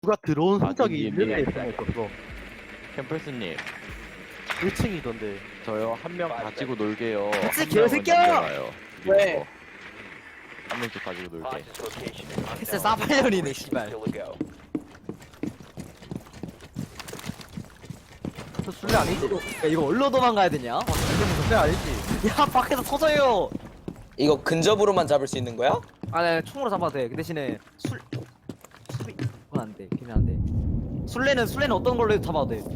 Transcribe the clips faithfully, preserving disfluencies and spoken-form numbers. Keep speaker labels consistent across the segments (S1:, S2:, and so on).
S1: 누가 들어온
S2: 아,
S1: 흔적이
S2: 님님,
S1: 있는데
S2: 님님.
S1: 있었어.
S2: 캠퍼스님,
S1: 일 층이던데.
S2: 저요 한 명 가지고 놀게요.
S3: 그치,
S2: 한 명은
S3: 개새끼야!
S2: 남겨놔요.
S4: 왜?
S2: 이거. 한 명씩 가지고 놀게.
S3: 패스 싸발년이네 씨발.
S1: 저 술래 아니지?
S3: 야 이거 얼로 도망가야 되냐?
S1: 술래 아니지?
S3: 야 밖에서 터져요.
S4: 이거 근접으로만 잡을 수 있는 거야?
S3: 아네 총으로 잡아도 돼. 그 대신에 술 술이 그건 안 돼. 걔는 안 돼. 술래는 술래는 어떤 걸로 해도 잡아도 돼.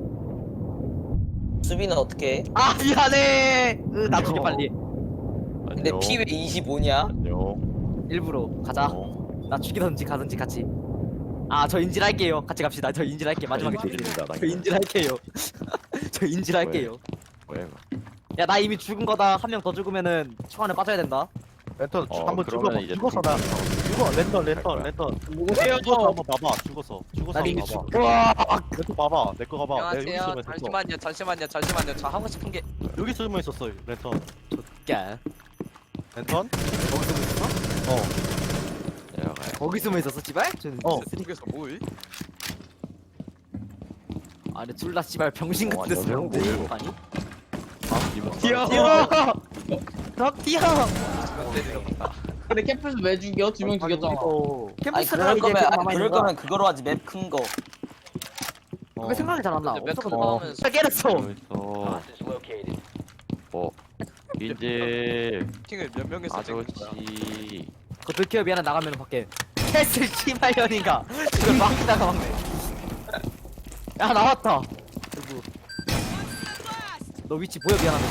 S4: 수비는 어떻게 해?
S3: 아 미안해. 으, 나 죽여 빨리.
S4: 근데
S2: 안녕.
S4: 피 왜 이십오냐?
S2: 안녕.
S3: 일부러 가자.
S2: 어,
S3: 나 죽이던지 가든지 같이. 아 저 인질할게요. 같이 갑시다. 저 인질할게 마지막에.
S2: 드립니다.
S3: 저 인질할게요. 저 인질할게요.
S2: 왜?
S3: 야 나 이미 죽은 거다. 한 명 더 죽으면은 총 안에 빠져야 된다.
S1: 랜턴
S2: 어,
S1: 한번
S2: 그러면
S1: 죽어.
S2: 이제
S1: 죽었어 나. 죽어. 랜턴 랜턴 랜턴.
S4: 누구세요?
S1: 죽었어 한번 봐봐. 죽었어. 죽었어
S3: 나 이미
S1: 한번
S3: 죽.
S1: 봐봐.
S3: 와.
S1: 랜턴 봐봐. 내 거 봐봐. 내가 여기
S5: 안녕하세요.
S1: 숨어 있었어.
S5: 잠시만요, 잠시만요, 잠시만요. 저 하고 싶은 게
S1: 여기 숨어 있었어. 랜턴.
S3: 야
S1: 랜턴?
S3: 거기 숨어 있었어?
S1: 어.
S2: 내려가요.
S3: 거기 숨어 있었어 씨발? 저는
S1: 어.
S5: 쓰니까서 뭐이?
S3: 아니 둘다 씨발 병신
S2: 어,
S3: 같은 데
S2: 완전
S3: 쓰는데
S2: 뭐예요?
S3: 아니?
S2: 아, 이모.
S3: 뛰어! 덕 뛰어!
S4: 근데 캠프스 왜 죽여? 두 명 죽였잖아.
S1: 어.
S4: 아니
S3: 캠프스가
S4: 그럴
S3: 이제
S4: 거면
S3: 그거
S4: 아니
S3: 남아있는
S4: 그럴
S3: 거야.
S4: 거면 그거로 하지 맵 큰 거.
S3: 왜 생각이 잘 안 나?
S5: 근데
S3: 없어서
S5: 맵
S3: 어.
S5: 하면
S3: 야 깨졌어!
S2: 있어. 어. 인질
S5: 팅을 몇 명에서 찍는 거야?
S2: 아저씨.
S3: 그거 들켜요 미안해 나가면 밖에 캐슬 씨발년인가 이걸 막다가 막네 야 나왔다 누구 너 위치 보여 미안하다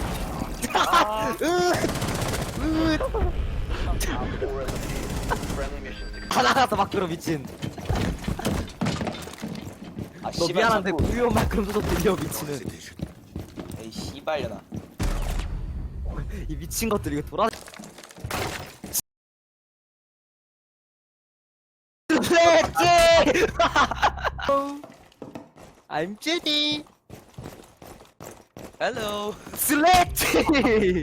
S3: 다 나갔다 밖으로 미친
S4: 아
S3: 너
S4: 씨발,
S3: 미안한데
S4: 자꾸-
S3: 무효 만큼 소속 들려 미치는
S4: 에이 씨발려나.
S3: 이 미친 것들 이거 돌아 슬래치 I'm Judy
S5: 헬로.
S3: 슬래치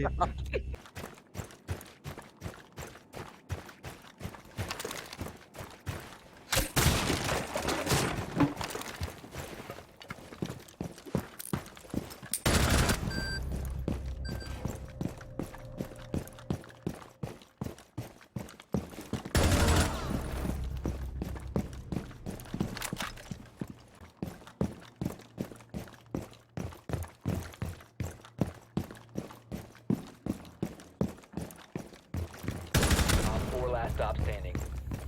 S6: Four last stop standing.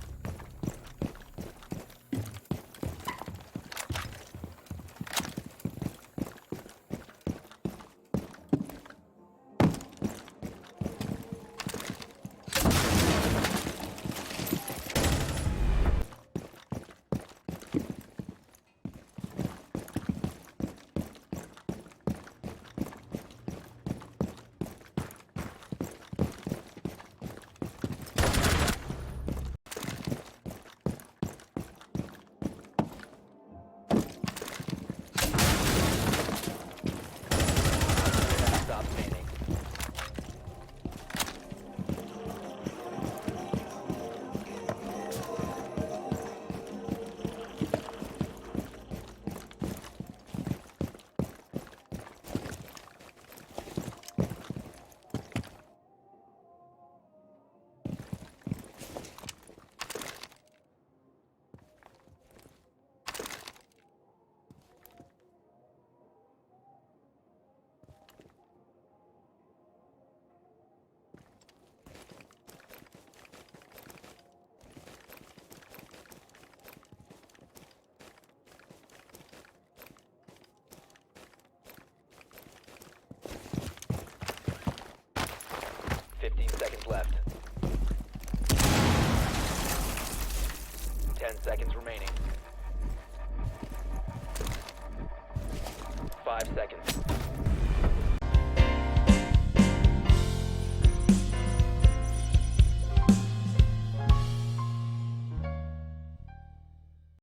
S6: Stop standing. Fifteen seconds left. Ten seconds remaining. Five seconds.